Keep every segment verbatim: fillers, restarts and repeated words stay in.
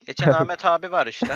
Geçen Ahmet abi var işte.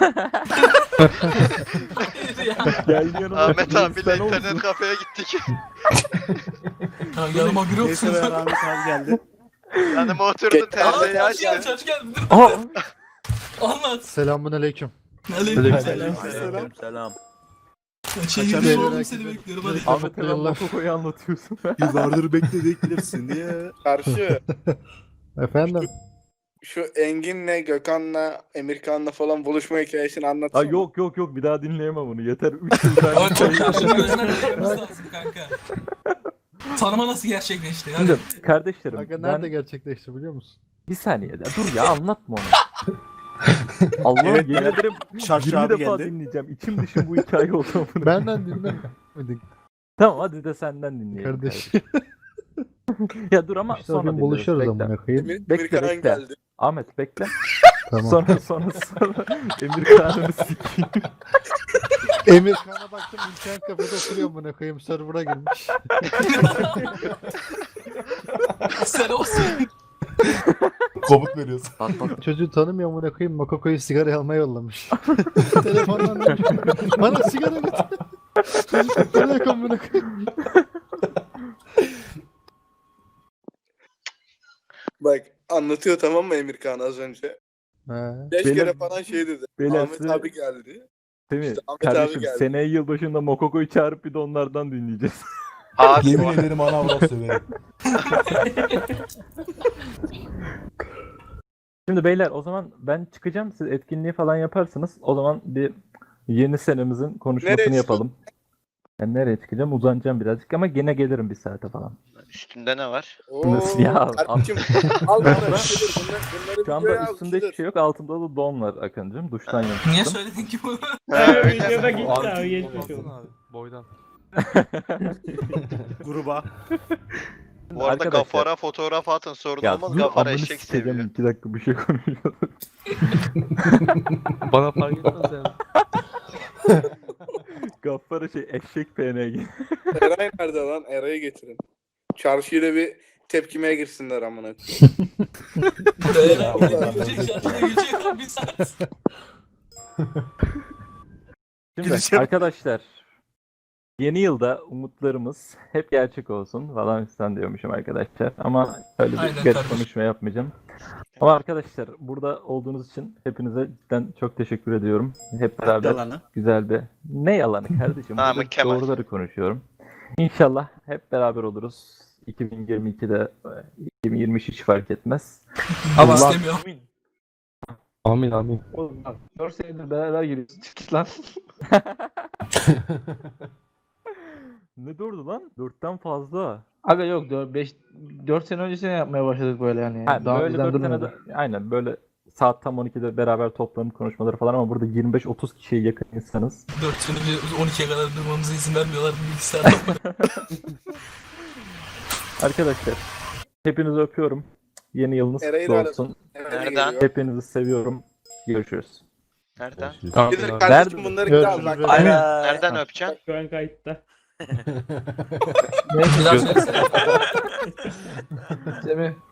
Geldi yanıma. Ahmet abiyle Sen internet olsun. kafeye gittik. Ha, yanıma biri Neyse oturdu. ben Ahmet abi geldi. Yanıma oturdu Aa terziyi çarşı geldi açtı. çarşı geldi. Dur, Aa! Anlat. Selamun aleyküm. Aleykümselam. Selam. Selam. Şey Kaçan gibi beyler oğlum herkese- seni bekliyorum hadi. Ahmet hemen Mokoko'yu anlatıyorsun. Yıllardır bekledik bilirsin diye. Karşı Efendim? şu Engin'le, Gökhan'la, Emirkan'la falan buluşma hikayesini Aa anlatsana. yok yok yok bir daha dinleyemem onu. Yeter üç yıl ben. Ama çok karşını gözden görmemiz lazım kanka. Tanıma nasıl gerçekleşti? Hadi. Şimdi kardeşlerim Aga ben nerede gerçekleşti biliyor musun? bir saniye ya, dur ya anlatma onu. Allah'ım Evet, yemin evet. ederim Şarjı yirmi abi defa geldi. dinleyeceğim. İçim dışım bu hikaye oldu. Benden dinlemedik Tamam hadi de senden dinleyelim. kardeş. kardeşim. Ya dur ama İşte sonra o gün dinleriz, buluşuyoruz bekle. amına koyayım. Emir, Bekle, Emirkan bekle. geldi. Ahmet bekle. Tamam. Sonra sonra sonra Emir Kağan'ını sikeyim. Emir Kan'a baktım internet kafede oturuyor amına koyayım server'a girmiş. Sen olsun. Komut veriyorsun. Bak bak. Çocuğu tanımıyor amına koyayım Mokoko'yu sigara almaya yollamış. Telefondan demiş, bana sigara getir. Çocuk para yok amına koyayım. Bak anlatıyor tamam mı Emirkan az önce? He. Beş Beyler- kere falan şey dedi. beyler Ahmet size- abi geldi. Değil mi? İşte Ahmet abi Kardeşim geldi. seneye yılbaşında Mokoko'yu çağırıp bir de onlardan dinleyeceğiz. Abi Yemin ederim ana avrat söverim. Şimdi beyler o zaman ben çıkacağım. Siz etkinliği falan yaparsınız. O zaman bir yeni senemizin konuşmasını Nereye yapalım. Ben nereye çıkacağım? Uzanacağım birazcık ama gene gelirim bir saate falan. üstünde ne var? Oo, Nasıl ya? Kardeşim al bunları. Bunlar, bunları Şu videoya anda al, üstünde hiçbir şudur. şey yok. Altımda da don var Akıncığım. Duştan Niye yapıştım. söyledin ki bunu? Öyle. gitti abi geçmiş olsun. Boydan. Gruba. Bu arada Arkadaşlar- Gafar'a fotoğraf atın sorun Ya olmaz. dur Gafar amını eşek sikeceğim. seviyor. iki dakika bir şey konuşuyoruz. Bana fark etmez yani. Gaffar'a şey eşek P N G. Eray nerede lan? Eray'ı getirin. Çarşıyla bir tepkimeye girsinler amına. Beyler gelecek şarkıda gelecek lan bir saat. Şimdi Gideceğim. arkadaşlar yeni yılda umutlarımız hep gerçek olsun falan fistan diyormuşum arkadaşlar. Ama öyle bir Aynen garip kardeşim. konuşma yapmayacağım. Ama arkadaşlar burada olduğunuz için hepinize cidden çok teşekkür ediyorum. Hep beraber Yalanı. güzel bir... Ne yalanı kardeşim? Namık Burada Kemal. doğruları konuşuyorum. İnşallah hep beraber oluruz. iki bin yirmi ikide, iki bin yirmi üç hiç fark etmez. Ama Allah- istemiyorum. Amin amin. Oğlum bak dört senedir beraber giriyoruz. Çık lan. Ne dördü lan? Dörtten fazla. Aga yok dört beş dört sene öncesine yapmaya başladık böyle yani. Ha, Daha böyle bizden dört durmuyordu. senede aynen böyle saat tam on ikide beraber toplanıp konuşmaları falan ama burada yirmi beş otuz kişiye yakın insanız. dört sene önce on ikiye kadar durmamıza izin vermiyorlar bilgisayarda. Arkadaşlar hepinizi öpüyorum. Yeni yılınız Eray'ı kutlu da olsun. Nereden? Nereden? Hepinizi seviyorum. Görüşürüz. Nereden? Tamam. Gelir abi. kardeşim Nerede? bunları gel Görüşürüz. bak. Beyler. Aynen. Nereden öpeceksin? Şu an kayıtta. Bir daha söylesene. Semih